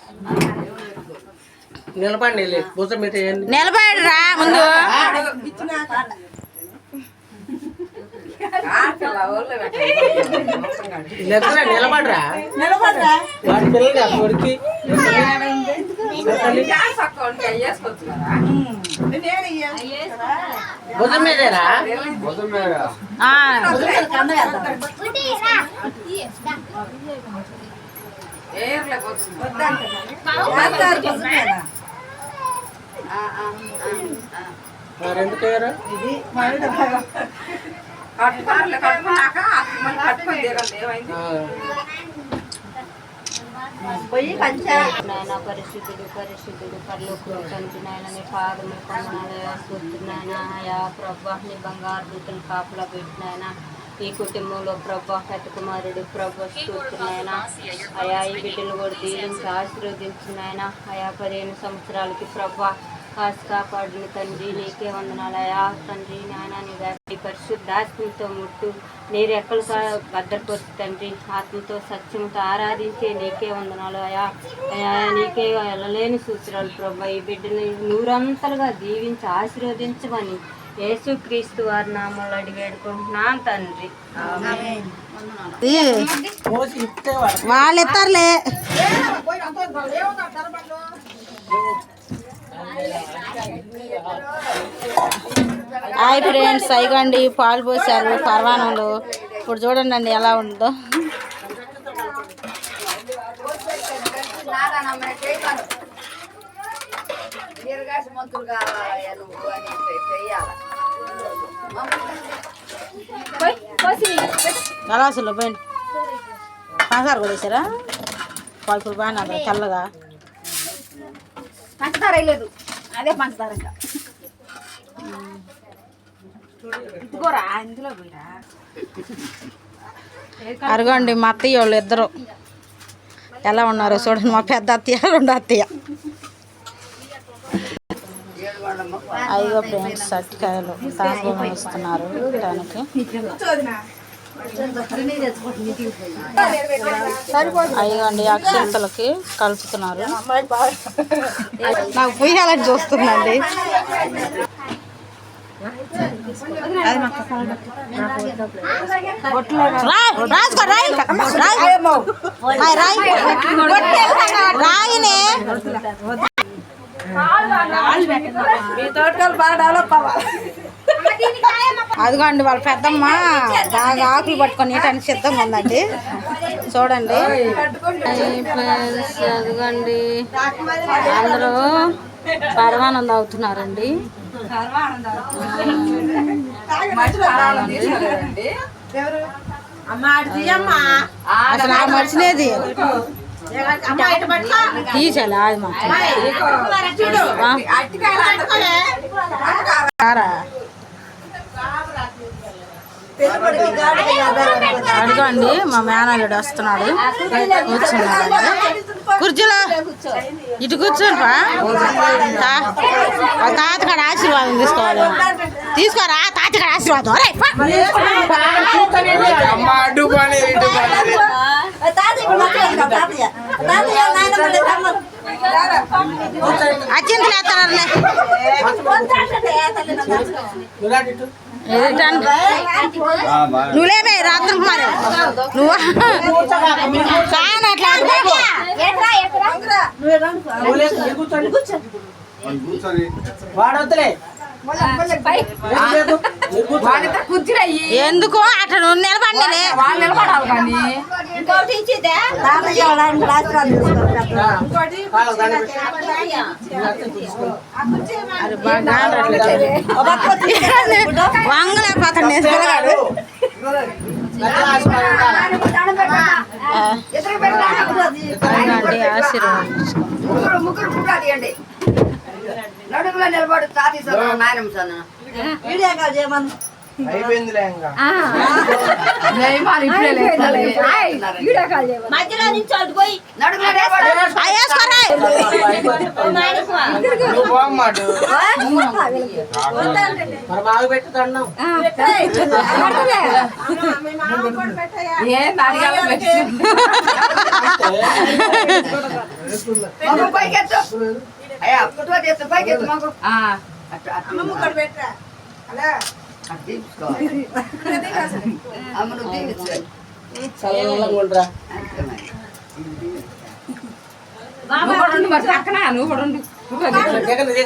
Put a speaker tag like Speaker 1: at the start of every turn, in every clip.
Speaker 1: నిలబడి భుజం మీద
Speaker 2: నిలబడిరా ముందు.
Speaker 1: నిలబడరా వాడి పిల్లలు కొడుకి భుజం మీదేరా మరెందుకయ్యారా
Speaker 3: నాయన పరిశుద్ధుడు పరిశుద్ధుడు పరలోకంలో తండ్రి నాయన నీ పాదములు పొందనాలయ అయా ప్రభా నీ బంగారు దూతను కాపులా పెట్టినాయన ఈ కుటుంబంలో ప్రభా పెద్ద కుమారుడు ప్రభా స్తోత్రునాయన అయా ఈ బిడ్డలు కూడా దీవించి ఆశీర్వదించినాయన అయా 15 సంవత్సరాలకి ప్రభా కాసు కాపాడిన తండ్రి నీకే వందనాలయా తండ్రి నాయన నీ వ్యాధి పరిశుద్ధాత్మతో ముట్టు నీరు ఎక్కలు భద్రపరుచు తండ్రి ఆత్మతో సత్యంతో ఆరాధించే నీకే వందనాలు అయా అయా నీకే వెళ్ళలేని సూత్రాలు ప్రభా ఈ బిడ్డని నూరంతలుగా దీవించి ఆశీర్వదించమని యేసుక్రీస్తు వారి నామంలో అడిగి వేడుకుంటున్నాను తండ్రి.
Speaker 2: వాళ్ళు ఇస్తారులే. హాయ్ ఫ్రెండ్స్, అయిగండి పాలు పోసారు పర్వాణంలో. ఇప్పుడు చూడండి అండి ఎలా ఉందో. గలాసులో పోయింది పంచదార కూడా వేసారా? పాలు బాగా చల్లగా
Speaker 3: పంచదార లేదు, అదే పంచదార ఇందులో పోయిరా.
Speaker 2: అరగండి మా అత్తయ్య వాళ్ళు ఇద్దరు ఎలా ఉన్నారో చూడండి. మా పెద్ద అత్తయ్య రెండు అత్తయ్య. అయ్యో ఫ్రెండ్స్ అరటికాయలు తాంబూలం ఇస్తున్నారు దానికి. అయ్యండి అక్షంతలకి కలుపుతున్నారు. నాకు పుయ్యాలని చూస్తుందండి. రాయినే అదిగోండి వాళ్ళ పెద్దమ్మ బాగా ఆకులు పట్టుకొని నీటానికి సిద్ధంగా ఉందండి. చూడండి అదిగోండి అందరూ పరమానందం తాగుతున్నారండి. అసలు ఆ మర్చినేది తీసాలి అది మాత్రం. అడుగండి మా మేనల్లుడు వస్తున్నాడు. కూర్చున్నాడు కుర్చీలో. ఇటు కూర్చోండి తాతగాడు ఆశీర్వాదం తీసుకోవాలి. తీసుకోరా తాతగాడు ఆశీర్వాదం. అచ్చింతలు వేస్తారులే. నువ్వులేమే రాత్రి కుమారు నువ్వు కానీ అట్లా
Speaker 1: వాడొద్దులే.
Speaker 2: ఎందుకు అట్లా నువ్వు నిలబడి వంగలేకపోతాడు నేర్చుకోగాడు. ఆశీర్వాదం
Speaker 3: నడుగులో నిలబడు తాతీ నాయనమ్మ సన్న వీడియో కాల్ చేయమను. మధ్యలో నుంచి అటు పోయి
Speaker 1: చల్లగా ఉండరా జగన్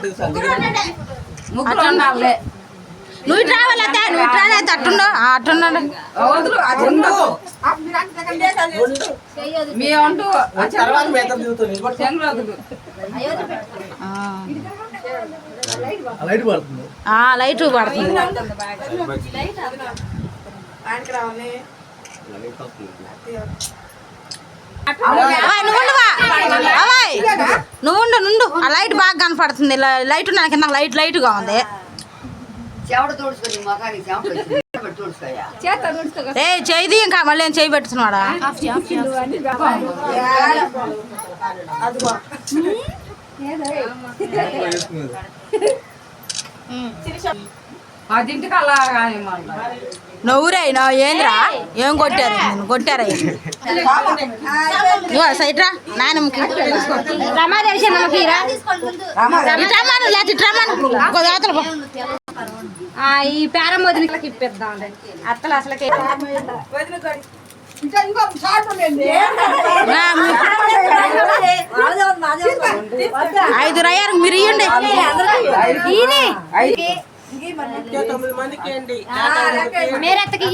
Speaker 2: నువ్వు ఇటు రావాలతే నువ్వు ఇటు రాలే అట్టుండో అట్టున్నాడు
Speaker 1: తర్వాత మేత దిగుతుంది లైట్ పడుతుంది
Speaker 2: లైట్ పడుతుంది నువ్వు నుండు ఆ లైట్ బాగా కనపడుతుంది లైట్ నాకు కింద లైట్ గా ఉంది ఏ చేయి ఇంకా మళ్ళీ ఏం చేయి పెట్టుతున్నాడా నవ్వురైనా ఏంద్రా ఏం కొట్టారు కొట్టారా సైట్రా నాయనమ్మకి
Speaker 3: ఈ పేరం వదిలికి ఇప్పిద్దాం అత్తలు అసలుకే
Speaker 2: ఐదు రయ్యారు మీరు ఇవ్వండి
Speaker 1: 9 మందికి ఏంటి
Speaker 3: మేరెత్తకి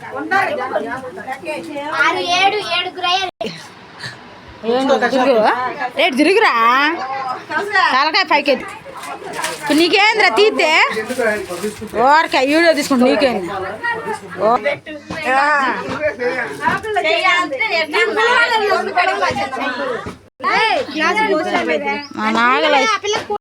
Speaker 2: రేటు తిరుగురా తలకాయ పైకి నీకేంద్రా తీస్తే ఓరకాయ వీడియో తీసుకుంటా నీకేంది నాగలై